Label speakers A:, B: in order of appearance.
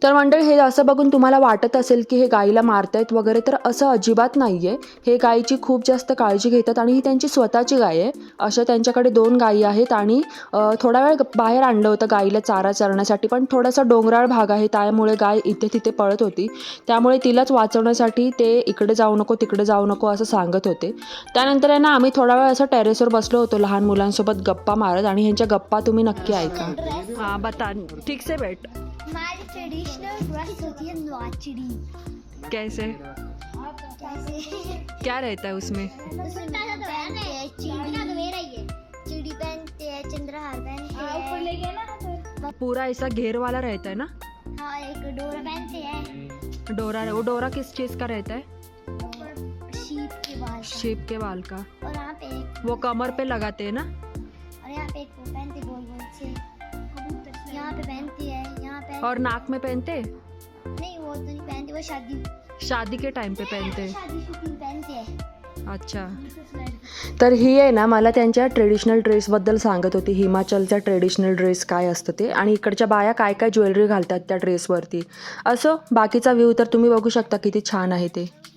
A: तर मंडळी, हे असं बघून तुम्हाला वाटत असेल की हे गाईला मारतायत वगैरे, तर असं अजिबात नाही आहे. हे गाईची खूप जास्त काळजी घेतात आणि ही त्यांची स्वतःची गाय आहे. अशा त्यांच्याकडे 2 गायी आहेत आणि थोडा वेळ बाहेर आणलं होतं गाईला चारा चरण्यासाठी, पण थोडासा डोंगराळ भाग आहे त्यामुळे गाय इथे तिथे पळत होती. त्यामुळे तिलाच वाचवण्यासाठी ते इकडे जाऊ नको तिकडे जाऊ नको असं सांगत होते. त्यानंतर आहे ना, आम्ही थोडा वेळ असं टेरेसवर बसलो होतो लहान मुलांसोबत गप्पा मारत, आणि ह्यांच्या गप्पा तुम्ही नक्की ऐका. हाँ बता, ठीक से बैठ.
B: हमारी ट्रेडिशनल ड्रेस होती है नवाचड़ी.
A: कैसे?
B: कैसे?
A: क्या रहता है उसमें?
B: उसमें पहनते हैं चिड़ी पहनते हैं, चंद्रहार पहनते हैं,
A: पूरा ऐसा घेर वाला रहता है ना?
B: हाँ एक डोरा पहनते हैं.
A: डोरा, वो डोरा किस चीज़ का रहता है?
B: शीप के बाल का.
A: शेप के बाल का.
B: और यहाँ पे एक,
A: वो कमर पे लगाते हैं ना?
B: और यहाँ पे एक वो पहनते गोल गोल से, यहाँ पे पहनती है, यहाँ पे
A: और नाक में पहनते?
B: नहीं वो तो नहीं पहनती, वो
A: शादी के टाइम पे पहनते.
B: शादी शूटिंग पहनते हैं.
A: अच्छा. तर ही आहे ना, मला त्यांच्या ट्रेडिशनल ड्रेसबद्दल सांगत होती. हिमाचलचा ट्रेडिशनल ड्रेस काय असतं ते, आणि इकडच्या बाया काय काय ज्वेलरी घालतात त्या ड्रेसवरती. असो, बाकीचा व्ह्यू तर तुम्ही बघू शकता किती छान आहे ते.